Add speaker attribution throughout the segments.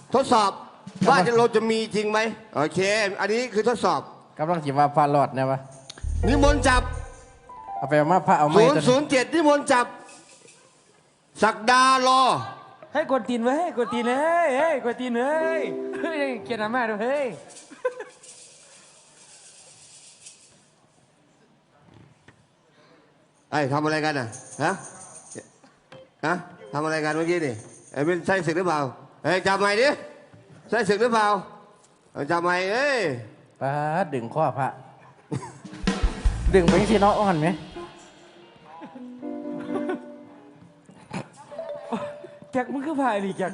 Speaker 1: ทดสอบว่าเราจะมีจริงไหมโอเคอันนี้คือทดสอบ
Speaker 2: กำลังจิว่าพาลอดเนี่ยวะ
Speaker 1: นิมนต์จับ
Speaker 2: เอาไปมาพระเอาไม้
Speaker 1: 007นิมนต์จับศักดารอ
Speaker 3: ให้กดตีนไว้ให้กดตีนเลยเฮ้ยกดตีนเลยเฮ้ยเกียรติมาด้วยเฮ้ย
Speaker 1: ไอ้ทำอะไรกันน่ะฮะทำอะไรกันเมื่อกี้นี่ไอ้เป็นใส่ศึกหรือเปล่าไอ้จับใหม่ดิใส่ศึกหรือเปล่าจับใหม่เอ้ย
Speaker 2: ป้าดึงข้อพระดึงไปที่น้องอ่อนไหม
Speaker 3: แจ็คมึงคือพายดิแจ็ค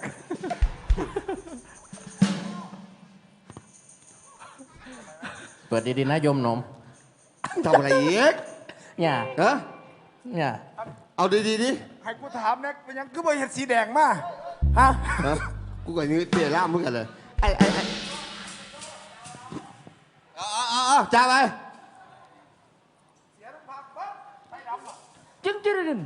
Speaker 2: เปิดดีๆนะโยมนม
Speaker 1: ทำอะไรอีก
Speaker 2: เนี่ยเนี่ย
Speaker 1: เอาดีๆดิ
Speaker 4: ให้กูถามนะมันยังคือใบเห็ดสีแดงมาฮะ
Speaker 1: กูกับนี้เตี้ยล่ามมึงกันเลยไอ้จ้าไป
Speaker 3: จึ๊ง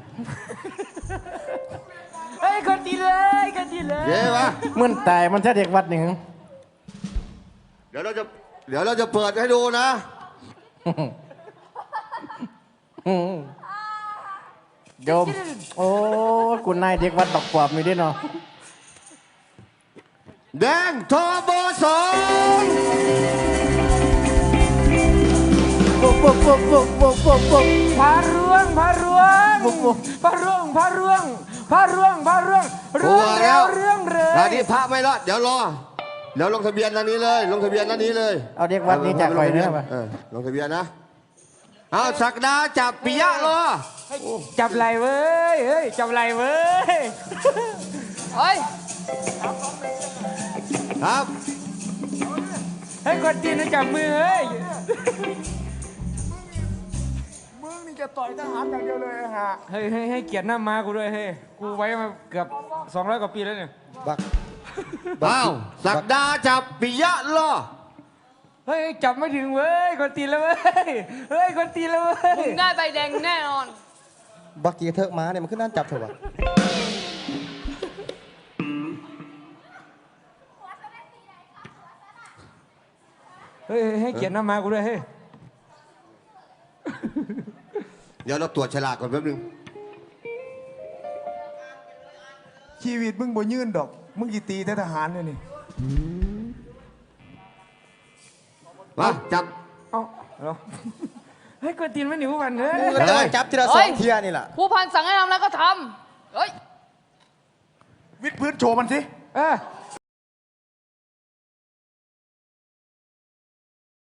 Speaker 3: เฮ้ยกดตีเลยกดตีเลย
Speaker 1: เย้ปะ
Speaker 2: มื่นตายมันแค่เด็กวัดหนึ่ง
Speaker 1: เดี๋ยวเราจะเปิดให้ดูนะ
Speaker 2: โยมโอ้คุณนายเด็กวัดดอกปอบมีด้วยเนาะ
Speaker 1: แดงทบ2
Speaker 2: ปุ๊บ
Speaker 3: พาร่วง
Speaker 1: รัว
Speaker 3: งเลย
Speaker 1: ตอนนี้พระไม่รอดเดี๋ยวรอเดี๋ยวลงทะเบียนตอนนี้เลยลงทะเบียนตอนนี้เลย
Speaker 2: เอาเด็กวัดนี้จากใครเนี่ยป่ะ
Speaker 1: ลงทะเบียนนะเอาศักดาจับปิยะรอ
Speaker 3: จับไหลเว้ยเฮ้ยจับไหลเว้ยเฮ้ย
Speaker 1: ครับ
Speaker 3: ให้กดตีนจับมือเฮ้ย
Speaker 4: มึงนี่จะต่อยทหารอย่างเดียวเลยฮะ
Speaker 3: เฮ้ยให้เกียรติหน้าม้ากูด้วยเฮ้ยกูไว้มาเกือบ200 กว่าปีแล้วเนี่ย
Speaker 1: อ้าวศักดาจับปิยะรอ
Speaker 3: เฮ้ยจับไม่ถึงเว้ยกดตีนแล้วเว้ยเฮ้ยกดตีนแล้วเว้ย
Speaker 5: มึงได้ใบแดงแน่นอน
Speaker 4: บักกี้เถิกม้าเนี่ยมันขึ้นนั่นจับเถอะวะ
Speaker 3: เฮ้ยให้เกียรติหน้าม้ากูด้วยเฮ้ย
Speaker 1: เดี๋ยวเราตรวจฉลากก่อนแป๊บนึง
Speaker 4: ชีวิตมึงบ่ยื่นดอกมึงกี่ตีทหารเนี่ยนี่
Speaker 1: มาจับ
Speaker 3: เอาให้กดตีนไม่หนีผู้พันเฮ้ย
Speaker 4: ก็จะจับทีละ2 เทียนี่แหละ
Speaker 5: ผู้พันสั่งให้ทำแล้วก็ทำเฮ้ย
Speaker 4: วิดพื้นโชว์มันสิ